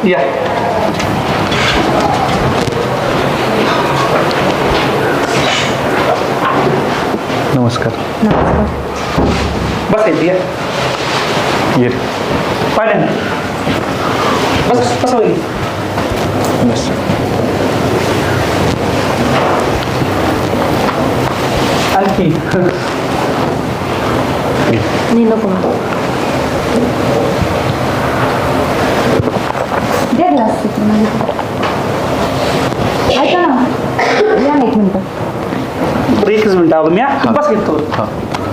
या नमस्कार. नमस्कार. बसायचं या ये पाहिलं बस कसं होईल बस. आणखी नाही नको दे ग्लास ऐका ना या ना एक मिनटं. बरं एकच मिनिट आलो मी बस घेतो हां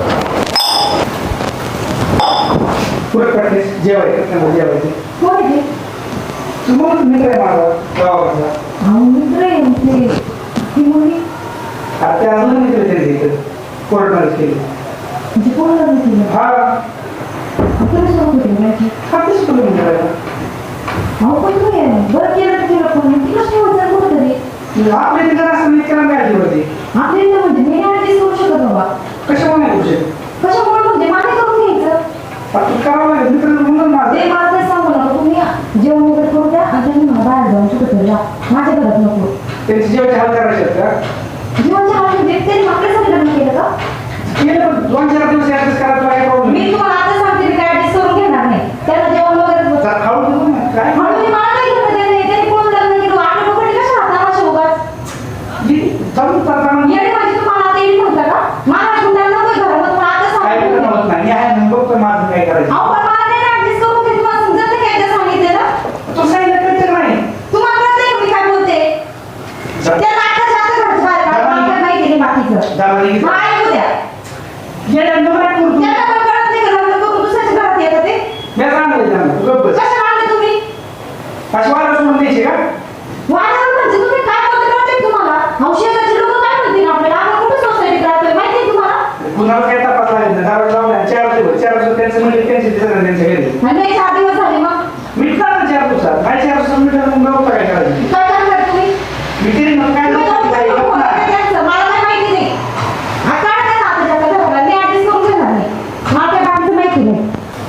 पुढे प्रॅक्टिस जेवायचं जेवायचं कोण आहे ते? तुम्हाला मित्र आहे माझा गावाचा अहो, मित्र आहे ते. ती मुलगी आता त्या अजून मित्र त्यांचे इथं कोर्टमध्ये केली म्हणजे कोण लग्न केलं? हा तुम्ही सोबत होते ना याची? हा तेच तुला मित्र आहे अहो पण तुम्ही बरं केलं तर केलं पण ती कशी होतं कुठं तरी आपल्या तिथं असं मित्राला मिळाली होती आपल्याला म्हणजे मी ऍडजस्ट करू शकत बाबा. कशामुळे नाही करू कशामुळे म्हणजे मागे करून घ्यायचं. शकत करावं लागेल मित्र म्हणून माझं ते मला तेच सांगू नका तुम्ही जेवण वगैरे करू द्या आणि त्यांनी मला बाहेर जाऊन कुठं तरी जा. माझ्या घरात नको. त्यांची जेवायची हाल करायचे आहेत का जीवनच्या हाल म्हणजे त्यांनी आपल्यासाठी लग्न केलं का? केलं पण 2-4 दिवस ऍडजस्ट करायला काय प्रॉब्लेम मी तुम्हाला आता सांगते मी काय ऍडजस्ट करून घेणार नाही. त्याला जेवण वगैरे खाऊ देऊ ना काय म्हणून मी मला काय घेणं देणं नाही. त्यांनी कोण लग्न केलं आपल्या लोकांनी कशा हाताला शोगाच चालू करताना येणे म्हणजे तुम्हाला आता येईल म्हटलं का? मला कुंडाला नको घरात तुम्हाला आता काय सांगते. करणं होत नाही मी आहे ना बघतो माझं काय करायचं अहो पण मला नाही ऍडजस्ट करून घे. तुम्हाला समजत नाही काय ते सांगितलेलं? तू सांगितलं कळतं नाही तुम्हाला कळतंय का मी काय बोलते? त्या नाटकाच्या आता घरचं बाहेर काढा. मला काय माहिती नाही बाकीचं. दाबाने मला ऐकू द्या. येड्यानं नको काय करू त्यांना पण कळत नाही का लग्न करून दुसऱ्याच्या घरात येतं ते? मी सांगितलं त्यांना तू गप्प बस. कशाला आणले तुम्ही? अशी वारा सोडून द्यायची का वादावर म्हणजे तुम्ही काय बोलता कळतंय का तुम्हाला? अहो, शेजारचे लोकं काय म्हणतील आपल्याला? आपण कुठं सोसायटीत राहतोय माहिती आहे तुम्हाला? कुणाला काय तपास लागेल ना दारू लावल्या 4 दिवस त्यांचं म्हणजे त्यांचे दिसत नाही त्यांच्या घरी आणि नाही 4 दिवस झाले मग मिटणार ना 4 दिवसात काय 4 दिवसात मिटणार मग गप्प काय करायचं काय करणार तुम्ही? मी तरी मग काय तुम्ही नको काय लोकं गप्प बोलताय नाही. त्यांचं, मला काय माहिती नाही. हा, काढा त्या नात्याच्या घराला. मी ऍडजस्ट करून घेणार नाही. मला त्या बाईचं माहिती नाही.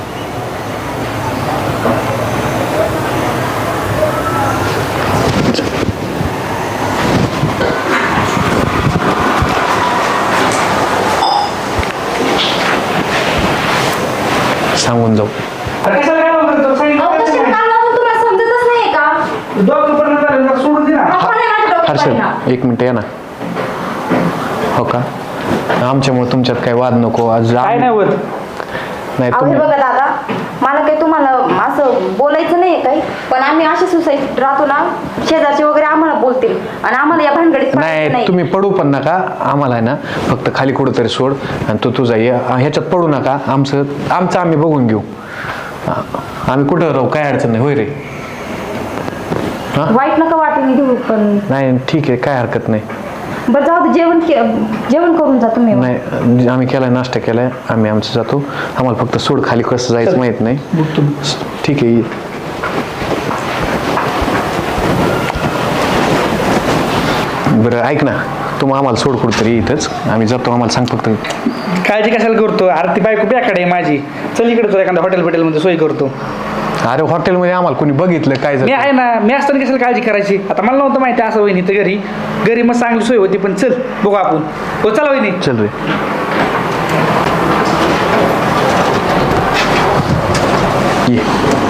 सांगून जाऊ. अरे कशाला काय बोलतो अहो, कशाला सांगितलं काल लावून तुम्हाला समजतच नाहीये का? डॉक्टर पर्यंत झालं तर सोडून दे ना आपण नाही माझ्या डोक्यात परिणाम. हर्षद एक मिनिट या ना. हो का आमच्यामुळे तुमच्यात काही वाद नको आज काय नाही होत नाही अहो, हे तुम्ही बघा दादा, मला काही तुम्हाला असं बोलायचं नाहीये काही, पण आम्ही अशा सोसायटीत राहतो ना, शेजारचे वगैरे आम्हाला बोलतील आणि आम्हाला या भानगडीत पडायचं नाही तुम्ही पडू पण नका आम्हाला आहे ना फक्त खाली कुठंतरी सोड आणि तू तुझा ये ह्याच्यात पडू नका आमचं आम्ही बघून घेऊ. आम्ही कुठं राहू काय अडचण नाही होय रे. वाईट नका वाटेल घेऊ पण नाही ठीक आहे काय हरकत नाही. बरं जाऊ दे, जेवण करून जा तुम्ही. नाही आम्ही केलाय नाश्ता केलाय आम्ही आमचं जातो. आम्हाला फक्त सोड खाली कसं जायचं माहित नाही. ठीक आहे ये. बरं ऐक ना तू आम्हाला सोड कुठतरी इथंच आम्ही जातो. आम्हाला सांग फक्त काळजी कशाला करतो अरे ती बायको बॅकडे आहे माझी चल इकडे तुला एखाद्या हॉटेलमध्ये सोय करतो अरे हॉटेलमध्ये आम्हाला कोणी बघितलं काय मी झालं आहे ना मी असताना कशाला काळजी करायची आता मला नव्हतं माहिती असं वहिनी तर घरी मग चांगली सोय होती पण चल बघू आपण हो चला वहिनी चल रे. ये